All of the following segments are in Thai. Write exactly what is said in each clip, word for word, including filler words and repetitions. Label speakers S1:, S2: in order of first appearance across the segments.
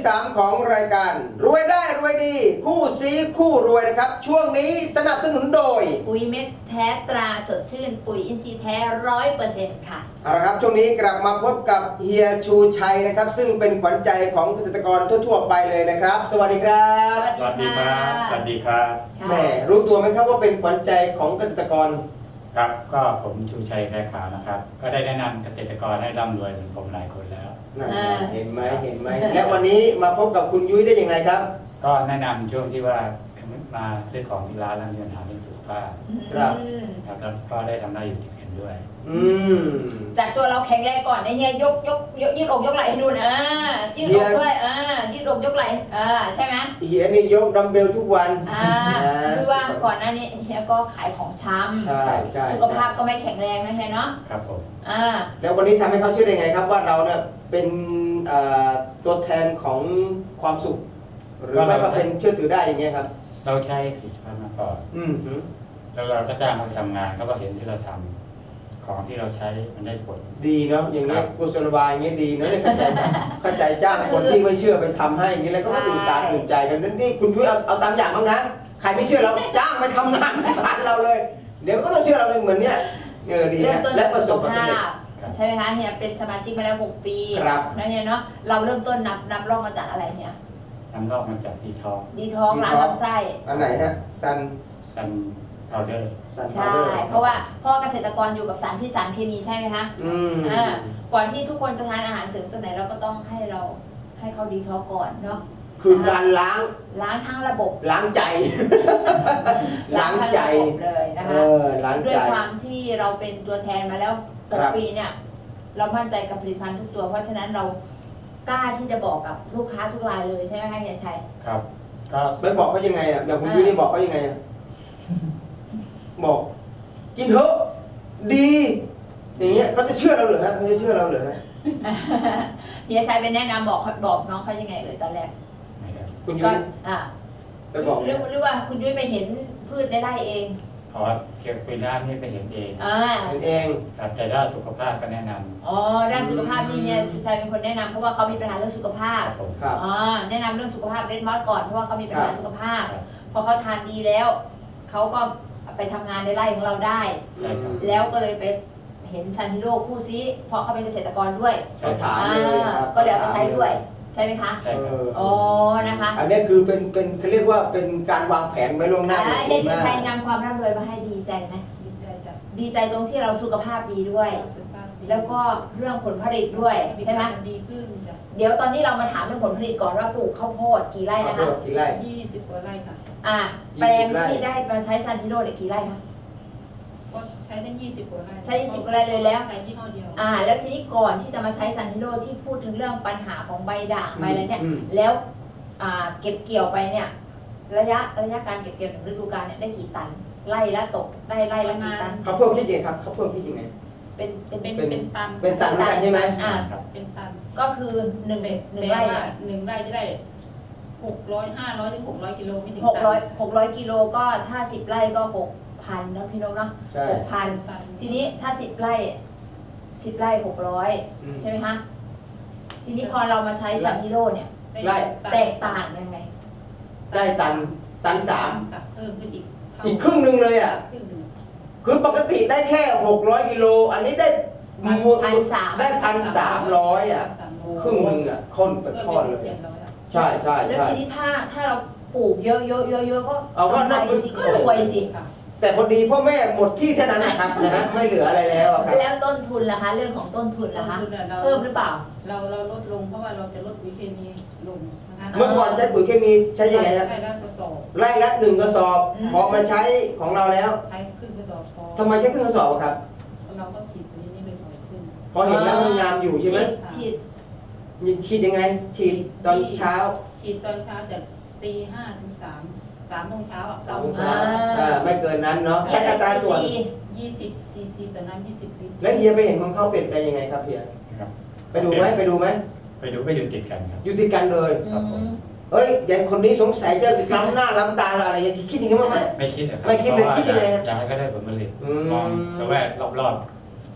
S1: ที่สามของรายการรวยได้รวยดีคู่ซีคู่รวยนะครับช่วงนี้สนับสนุนโดย
S2: ปุ๋ยเม็ดแท้ตราสดชื่นปุ๋ยอินทรีย์แท้ร้อยเปอร์เซ็นต์ค่ะ
S1: เอาละครับช่วงนี้กลับมาพบกับเฮียชูชัยนะครับซึ่งเป็นขวัญใจของเกษตรกรทั่วๆไปเลยนะครับสวัสดีครับ
S2: สวัสดีครับ
S3: สวัสดีครับ
S1: แม่รู้ตัวไหมครับว่าเป็นขวัญใจของเกษตรกร
S3: ครับก็ผมชูชัยแพรขาวนะครับก็ได้แนะนำเกษตรกรให้ร่ำรวยเหมือนผมหลายคนแล้ว
S1: เห็นไหมเห็นไหมและวันนี้มาพบกับคุณยุ้ยได้อย่างไรครับ
S3: ก็แนะนำช่วงที่ว่ามาซื้อของที่ร้านแล้วมีปัญหาเรื่องสุขภาพ
S1: ครับ
S3: ครับแล้วก็ได้ทำได้อยู่ที่เห็นด้วย
S1: อืม
S2: จากตัวเราแข็งแรงก่อนไอ้เฮียยกยกยกยืดอกยกไหล่ให้ดูนะยืดอกด้วยอ่ายืดอกยกไหล่อ่าใช่ไหม
S1: เฮียนี่ยกดัมเบลทุกวัน
S2: อ่าคือว่าก่อนหน้านี้เฮียก็ขายของช้ำ
S1: ใช่ใช่
S2: สุขภาพก็ไม่แข็งแรงนะเฮียเนาะ
S3: ครับผม
S2: อ่า
S1: แล้ววันนี้ทำให้เขาเชื่อได้ไงครับว่าเราเนี่ยเป็นตัวแทนของความสุขหรือไม่ก็เป็นเชื่อถือได้อย่างเงี้ยครับ
S3: เราใช้ผลิตภัณฑ์มาก่อน
S1: อืม
S3: แล้วเราก็จ้างเขาทำงานเขาก็เห็นที่เราทำของที่เราใช้มันได้ผล
S1: ดีเนาะอย่างเงี้ยกุศโลบายอย่างเงี้ยดีเนาะเข้าใจเข้าใจจ้างคนที่ไม่เชื่อไปทำให้อย่างเงี้ยแล้วก็ตื่นตาตื่นใจกันนั่นนี่คุณยุ้ยเอาเอาตามอย่างบ้างนะใครไม่เชื่อเราจ้างไปทำงานในร้านเราเลยเดี๋ยวก็ต้องเชื่อเราเหมือนเนี้ยเออดีนะและประสบความสำเร็จ
S2: ใช่ไหมคะเฮียเป็นสมาชิกมาแล้วหกปีนั่นเนี่ยเนาะเราเริ่มต้นนับนับรอบมาจากอะไรเนี่ย
S3: นำรอบมาจากดีท้อง
S2: ดีท้องล้างลำไส้
S1: อันไหนฮะซัน
S3: ซันพาวเดอร์
S2: ใช่เพราะว่าพ่อเกษตรกรอยู่กับสารพิษสารเคมีใช่ไหมคะ
S1: อืม
S2: อ่าก่อนที่ทุกคนจะทานอาหารเสริมตัวไหนเราก็ต้องให้เราให้เขาดีท้องก่อนเนาะ
S1: คือการล้าง
S2: ล้างทั้งระบบ
S1: ล้างใจล้างใจ
S2: เลยนะคะด้วยความที่เราเป็นตัวแทนมาแล้วหกปีเนี่ยเรามั่นใจกับผลิตภัณฑ์ทุกตัวเพราะฉะนั้นเรากล้าที่จะบอกกับลูกค้าทุกรายเลยใช่ไหมคะเฮียชัย
S3: ครับก็
S1: ไม่บอกเขายังไงอ่ะอย่างคุณยุ้ยนี่บอกเขายังไงอ่ะบอกกินเถอะดีอย่างเงี้ยเขาจะเชื่อเราหรือฮะเขาจะเชื่อเราหรือฮะ
S2: เฮียชัยเป็นแนะนำบอกบอกน้องเขายังไงเลยตอนแรก
S1: คุณยุ้ย
S2: อ่าไปบอกหรือหรือว่าคุณยุ้ยไปเห็นพืชได้ไร่เอง
S3: อ๋อเกี่ยวกับด้านนี้ไปเห็นเอง
S2: อ่า
S1: เห็นเอง
S3: ครับแต่ด้านสุขภาพก็แนะนำ
S2: อ๋อด้านสุขภาพนี่เนี่ยชูชัยเป็นคนแนะนำเพราะว่าเขามีปัญหาเรื่องสุขภาพ
S1: ครับ
S2: อ๋อแนะนำเรื่องสุขภาพเรดมอสก่อนเพราะว่าเขามีปัญหาสุขภาพพอเขาทานดีแล้วเขาก็ไปทำงานในไร่ของเราได้แล้วก็เลยไปเห็นซันทิโร่คู่ซีเพราะเขาเป็นเกษตรกรด้วยก็เลยเอาไปใช้ด้วยใช่ไหมคะ
S3: ใช่ครับ
S2: อ๋อนะคะ
S1: อันนี้คือเป็นเป็นเขาเรียกว่าเป็นการวางแผนไว้ล่วงหน้า
S2: เฮียชูชัยนำความร่ำรวยมาให้ดีใจไหมดีใจจ้ะดีใจตรงที่เราสุขภาพดีด้วยแล้วก็เรื่องผลผลิตด้วยใช่ไหม
S4: ดีขึ้นจ้ะ
S2: เดี๋ยวตอนนี้เรามาถามเรื่องผลผลิตก่อนว่าปลูกข้าวโพดกี่ไร่นะคะ
S1: กี่ไร่
S4: ยี่สิบกว่าไร่ค่ะ
S2: อ่าแปลงที่ได้มาใช้ซันทิโร่เนี่ยกี่ไร่คะ
S4: ก็ใช้ได้ยี่สิบกว่าไร่
S2: ใช้ยี่สิบกว่าไร่เลยแล้ว
S4: ใช้ยี่ห้อเดียว
S2: อ่าแล้วทีนี้ก่อนที่จะมาใช้ซันทิโร่ที่พูดถึงเรื่องปัญหาของใบด่างใบอะไรเนี่ยแล้วอ่าเก็บเกี่ยวไปเนี่ยระยะระยะการเก็บเกี่ยวหนึ่งฤดูกาลเนี่ยได้กี่ตันไร่ละตกได้ไร่ละกี่ตัน
S1: เขาเพิ่มคิดยังไงครับเขาเพิ่มคิดยังไง
S2: เป็นเป็น
S4: เป็นเป็นตัน
S1: เป็นตันเหมือนกันใช่ไหม
S2: อ่า
S4: เป็นตัน
S2: ก็คือหนึ่งหนึ่งไร่
S4: หนึ่งไร่จะได้หกร้อยห้าร้อยถึงหกร้อยกิโลไม่ถึง
S2: หกร้อยหกร้อยกิโลก็ถ้าสิบไร่ก็หกพันนะพี่นกเนาะหกพันทีนี้ถ้าสิบไร่สิบไร่หกร้อยใช่ไหมคะทีนี้พอเรามาใช้ซันทิโร่เนี่ย
S1: ไร่
S2: แตกต่างยังไง
S1: ได้ตันตันสาม
S4: เพิ่มขึ้นอีก
S1: อีกครึ่งหนึ่งเลยอ่ะคือปกติได้แค่หกร้อยกิโลอันนี้ได้
S2: พันสาม
S1: ได้พันสามร้อยอ่ะครึ่งหนึ่งอ่ะค่อนไปค่อนเลยใช่ใช่
S2: แล้วทีนี้ถ้าถ้าเราปลูกเยอะเยอะเยอะเยอะก็
S1: เอาก็น่า
S2: สิก็รวยสิ
S1: แต่พอดีพ่อแม่หมดที่แค่นั้นนะครับนะฮะไม่เหลืออะไรแล้วครับ
S2: แล้วต้นทุนล่ะคะเรื่องของต้นทุนล่ะคะเพิ่มหรือเปล่า
S4: เราเราลดลงเพราะว่าเราจะลดปุ๋ยเคมีลงนะคะ
S1: เมื่อก่อนใช้ปุ๋ยเคมีใช้ยังไงครับ
S4: ไร่ละกระสอบ
S1: ไร่ละหนึ่งกระสอบพอมาใช้ของเราแล้ว
S4: ใช้ครึ่งกระสอบพอ
S1: ทำไมใช้ครึ่งกระสอบครับ
S4: เราก็ฉีดตัวนี้ไปบ่อยขึ้น
S1: พอเห็นแล้วมันงามอยู่ใช่ไหม
S2: ฉีด
S1: ฉีดยังไงฉีดตอนเช้า
S4: ฉีดตอนเช้าจากตีห้าถึงสามสามโมงเช้าอ่ะ
S1: สามโมงเช้าไม่เกินนั้นเนาะใช้อัตราส่วน
S4: ยี่สิบซีซีต่อน้ำยี่สิบลิตร
S1: แล้วเฮียไปเห็นของเขาเปลี่ยนไปยังไงครับเฮียไปดูไหมไปดูไหม
S3: ไปดูไปอยู่ติดกันครับ
S1: อยู่ติดกันเลย
S3: ครับผม
S1: เฮ้ยอย่างคนนี้สงสัยจะล้ำหน้าล้ำตาอะไรอย่างคิดอย่างนี้มั้ย
S3: ไม่คิดครับ
S1: ไม่คิดเลยคิดยังไง
S3: อยากให้เขาได้ผลผลิตมองแต่ว่า
S1: อ
S3: รอบๆ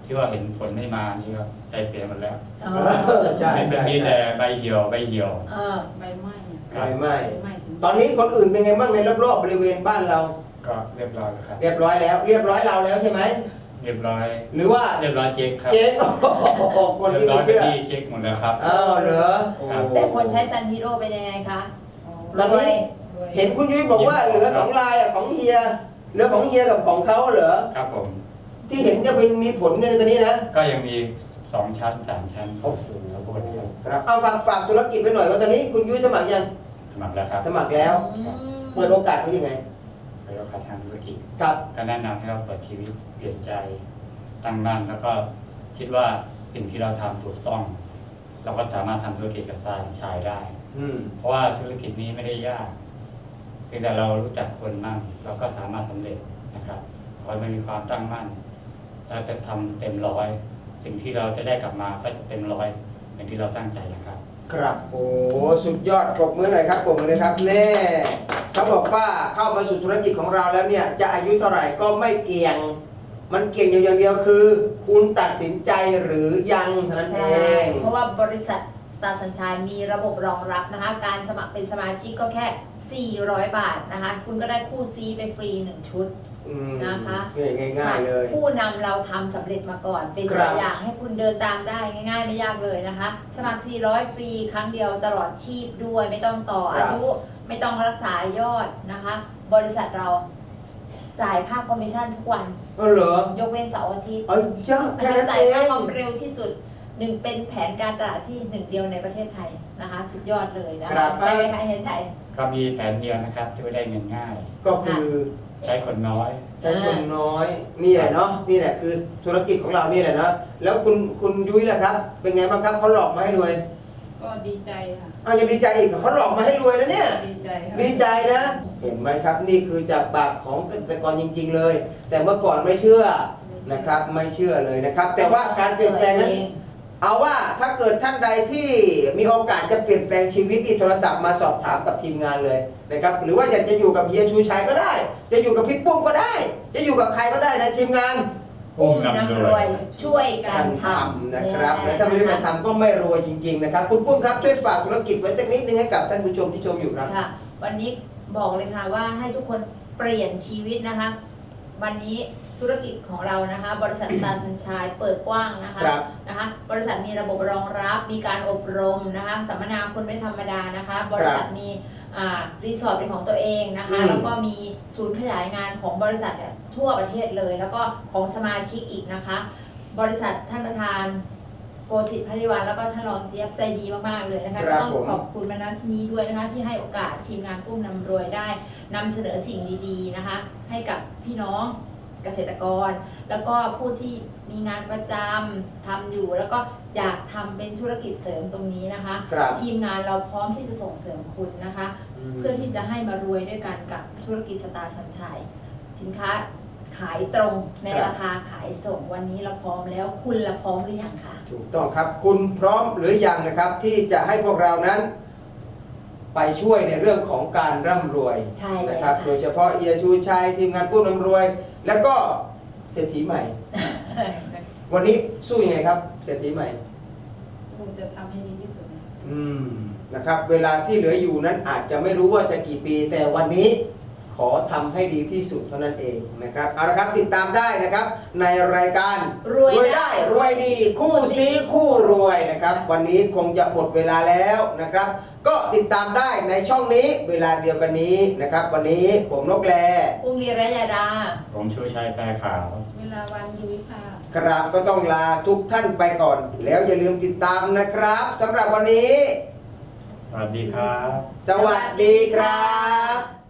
S3: ที่ว่าเห็นผลไม่มานี่ก็ใจเสียหมดแล้ว
S2: อ๋อ
S1: เออใช่
S3: ไม่เป็น
S1: ใช่
S3: มีแต่ใบเหี่ยวใบเหี่ยว
S2: เออ
S4: ใบไม้อะ
S3: ครับ
S1: ไม่ไม่
S4: ใบไม้ถึง
S1: ตอนนี้คนอื่นเป็นไงบ้างในรอบๆบริเวณบ้านเรา
S3: ก็เรียบร้อยแล้วครับ
S1: เรียบร้อยแล้ว เรียบร้อยเราแล้วใช่ไหม
S3: เรียบร้อย
S1: หรือว่า
S3: เรียบร้อยเจ๊กครับ
S1: เจ๊งโอ้โหคนที่
S3: เรียบร้
S1: ไม่
S3: อย
S1: เชื่อ
S3: เป็นที่เจ๊กหมดแล้วครับ
S1: อ้าวเหรอโอ้
S2: แต่คนใช้ซันฮีโร่เป็นยังไงคะ
S4: อ๋อ
S1: ตอนนี้
S4: รวย
S1: เห็นคุณยุ้ยบอกว่าเหลือสองลายอะของเฮียเหลือของเฮียกับของเขาเหรอ
S3: ครับผม
S1: ที่เห็นจะเป็นมีผลในตัวนี้นะ
S3: ก็ยังมีสองชั้นสามชั้น
S1: โอ้โห
S3: ข้าวโพดครับ
S1: ครับเอาฝากฝากธุรกิจไปหน่อยว่าตอนนี้คุณยุ้ยสมัครยัง
S3: สมัครแล้วครับ
S1: สมัครแล้ว
S2: อืม
S1: เปิดโอกาสเขายังไง
S3: ไปรับประทานธุรกิจ
S1: ครับ
S3: ก็แนะนำให้เราเปิดชีวิตเปลี่ยนใจตั้งมั่นแล้วก็คิดว่าสิ่งที่เราทำถูกต้อง เราก็สามารถทำธุรกิจกับสายชายได้
S1: อืม
S3: เพราะว่าธุรกิจนี้ไม่ได้ยากเพียงแต่เรารู้จักคนมั่งเราก็สามารถสำเร็จนะครับขอให้มันมีความตั้งมั่นเราจะทำเต็มร้อย สิ่งที่เราจะได้กลับมาก็จะเต็มร้อยอย่างที่เราตั้งใจนะครับ
S1: ครับโอ้สุดยอดปรบมือหน่อยครับปรบมือเลยครับแน่เขาบอกว่าเข้ามาสู่ธุรกิจของเราแล้วเนี่ยจะอายุเท่าไหร่ก็ไม่เกี่ยง มันเกี่ยงอย่างเดียวคือ คุณตัดสินใจหรือยังเท่านั้นเอ
S2: ใช่
S1: ง
S2: เพราะว่าบริษัทสตาร์สัญชัยมีระบบรองรับนะคะ การสมัครเป็นสมาชิกก็แค่ สี่ร้อย บาทนะคะ คุณก็ได้คู่ซีไปฟรีหนึ่งชุด
S1: อืม
S2: นะคะ
S1: ง่ายง่ายๆเลย
S2: ผู้นำเราทำสำเร็จมาก่อน เป็น
S1: ครั
S2: ตัว
S1: บ
S2: อย่างให้คุณเดินตามได้ง่ายๆ ไม่ยากเลยนะคะ สมัคร สี่ร้อย ฟรีครั้งเดียวตลอดชีพด้วย ไม่ต้องต่ออายุไม่ต้องรักษายอดนะคะ บริษัทเราจ่ายค่าคอมมิชชั่นทุกวัน
S1: เออเหรอย
S2: กเว้นเสาร์อาทิตย์
S1: เอ้ยจ้า
S2: อัน
S1: แค่
S2: นั้
S1: นั้น น
S2: จ่า
S1: เอย
S2: ค่าง คอมเร็วที่สุดหนึ่งเป็นแผนการตลาดที่หนึ่งเดียวในประเทศไทยนะคะ สุดยอดเลยนะ
S1: ครั
S2: คะ
S1: บ
S2: ใช่ไหมคะเฮียชัย
S3: ก็มีแผนเดียวนะครับที่ได้เงินง่าย
S1: ก็คือ
S3: ใช้คนน้อย
S1: ใช้คนน้อยนี่แหละเนาะนี่แหละคือธุรกิจของเรานี่แหละเนาะแล้วคุณคุณยุ้ยล่ะครับ เป็นไงบ้างครับเขาหลอกมาให้รวย
S4: ก็ดีใจค่ะ
S1: อ้าวยังดีใจอีกเขาหลอกมาให้รวยนะเนี่ย
S4: ดีใจค่ะ
S1: ดีใจนะ เห็นไหมครับนี่คือจากปากของเกษตรกรจริง ๆ เลย แต่เมื่อก่อนไม่เชื่อนะครับ ไม่เชื่อเลยนะครับ แต่ว่าการเปลี่ยนแปลงนั้น เอาว่าถ้าเกิดท่านใดที่มีโอกาสจะเปลี่ยนแปลงชีวิตที่โทรศัพท์มาสอบถามกับทีมงานเลยนะครับ หรือว่าอยากจะอยู่กับเฮียชูชัยก็ได้ จะอยู่กับพี่ปุ้มก็ได้ จะอยู่กับใครก็ได้ในทีมงาน
S2: อุ้มน้ำรวยช่วยกั
S1: กาน ร
S2: ท
S1: ทำ
S2: ำ
S1: นะครับและถ้าไม่ได้การทำก็ไม่รวยจริง ๆ นะครับ คุณปุ้มครับช่วยฝากธุรกิจไว้สักนิดนึงให้กับท่านผู้ชมที่ชมอยู่ครับ
S2: ค่ะ วันนี้บอกเลยค่ะว่าให้ทุกคนเปลี่ยนชีวิตนะคะ วันนี้ธุรกิจของเรานะคะ บริษัทสตาร์สัญชัยเปิดกว้างนะคะ
S1: ครับ
S2: นะคะ บริษัทมีระบบรองรับ มีการอบรมนะคะสัมมนาคนไม่ธรรมดานะคะ บริษัทมีอ่ารีสอร์ทเป็นของตัวเองนะคะ
S1: อืม
S2: แล้วก็มีศูนย์ขยายงานของบริษัทเนี่ยทั่วประเทศเลย แล้วก็ของสมาชิกอีกนะคะ บริษัทท่านประธานโกสิทธิ์พริวันแล้วก็ท่านรองเจี๊ยบใจดีมากๆเลยนะคะ
S1: ครั
S2: ก็
S1: บ
S2: ต้อง
S1: ผม
S2: ขอบคุณมาณที่นี้ด้วยนะคะ ที่ให้โอกาสทีมงานกุ้มนำรวยได้นำเสนอสิ่งดีๆนะคะ ให้กับพี่น้องเกษตรกร แล้วก็ผู้ที่มีงานประจำทำอยู่ แล้วก็อยากทำเป็นธุรกิจเสริมตรงนี้นะคะ
S1: ครับ
S2: ทีมงานเราพร้อมที่จะส่งเสริมคุณนะคะ เพื่อที่จะให้มารวยด้วยกันกับธุรกิจสตาร์สัญชัย สินค้าขายตรงใน
S1: ครับ
S2: ราคาขายส่งวันนี้เราพร้อมแล้วคุณละพร้อมหรือยังคะ
S1: ถูกต้องครับคุณพร้อมหรือยังนะครับ ที่จะให้พวกเรานั้น ไปช่วยในเรื่องของการร่ำรวย
S2: ใช่เลย
S1: นะครับ
S2: ค่ะ
S1: โดยเฉพาะเอียชูชัยทีมงานผู้ร่ำรวย แล้วก็เศรษฐีใหม่ วันนี้สู้ยังไงครับ เศรษฐีใหม่
S4: คงจะทำให้ดีที่สุดนะ
S1: อืมนะครับ เวลาที่เหลืออยู่นั้นอาจจะไม่รู้ว่าจะกี่ปี แต่วันนี้ขอทำให้ดีที่สุดเท่านั้นเองนะครับเอาละครับติดตามได้นะครับ ในรายการ
S2: รวยได้
S1: รวยดี คู่ซีคู่รวยนะครับ วันนี้คงจะหมดเวลาแล้วนะครับ ก็ติดตามได้ในช่องนี้เวลาเดียวกันนี้นะครับ วันนี้ผมนกแล
S2: อุ้มวีระยาดา
S3: ผมชูชัยแพรขาว
S4: เวลาวันยุ้ยค่ะ
S1: ครับก็ต้องลาทุกท่านไปก่อน แล้วอย่าลืมติดตามนะครับสำหรับวันนี้
S3: สวัสดีครับ
S1: สวัสดีครับ